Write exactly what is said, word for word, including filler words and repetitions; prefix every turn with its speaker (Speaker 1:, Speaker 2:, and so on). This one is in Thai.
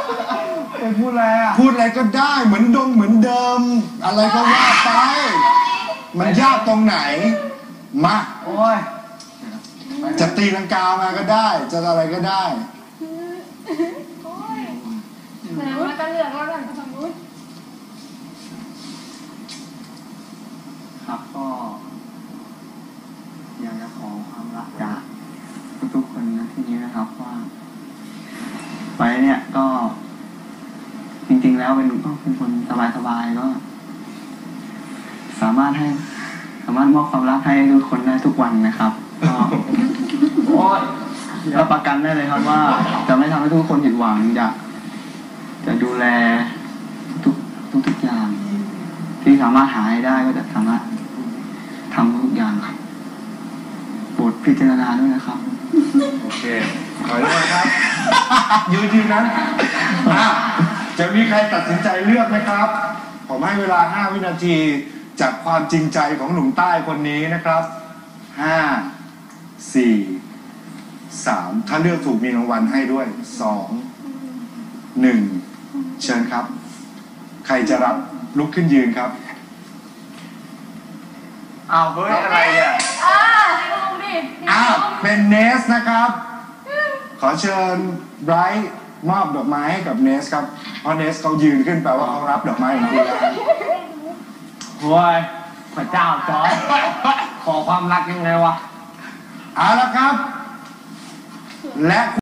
Speaker 1: ไปพูดอะไรอ่ะ
Speaker 2: พูดอะไรก็ได้เหมือนดงเหมือนเดิมอะไรก็ว่าไปมันยากตรงไหนมา
Speaker 1: โอ้ย
Speaker 2: จะตีลังกามาก็ได้จะอะไรก็ได้
Speaker 3: แสดงว่าจะเลือกแล้วกันสมมติ
Speaker 1: ครับก็อยากจะขอความรักจากทุกๆคนนะที่นี้นะครับว่าไปเนี่ยก็จริงๆแล้วเป็นก็เป็นคนสบายๆก็สามารถให้สามารถมอบความรักให้ทุกคนได้ทุกวันนะครับก็โอ้ยรับประกันได้เลยครับว่าจะไม่ทำให้ทุกคนผิดหวังจะจะดูแลทุกทุกทุกอย่างที่สามารถหาให้ได้ก็จะสามารถทำทุกอย่างครับโปรดพิจารณาด้วยนะครับ
Speaker 2: โอเคขอโทษครับยืนยืนนั้นจะมีใครตัดสินใจเลือกไหมครับผมให้เวลาห้าวินาทีจากความจริงใจของหนุ่มใต้คนนี้นะครับห้าสี่สามถ้าเลือกถูกมีรางวัลให้ด้วยสองหนึ่งเชิญครับใครจะรับลุกขึ้นยืนครับ
Speaker 1: อ้าวเฮ้ยอะไรอ่ะ
Speaker 3: อ่าลงดิ
Speaker 2: อ้าวเป็นเนสนะครับขอเชิญไบรท์มอบดอกไม้ให้กับเนสครับเพราะเนสเขายืนขึ้นแปลว่าเขารับดอกไม้ของคุณแล้ว
Speaker 1: โอ้ยพระเจ้าจอร์จขอความรักยังไงวะ
Speaker 2: เอาละครับและ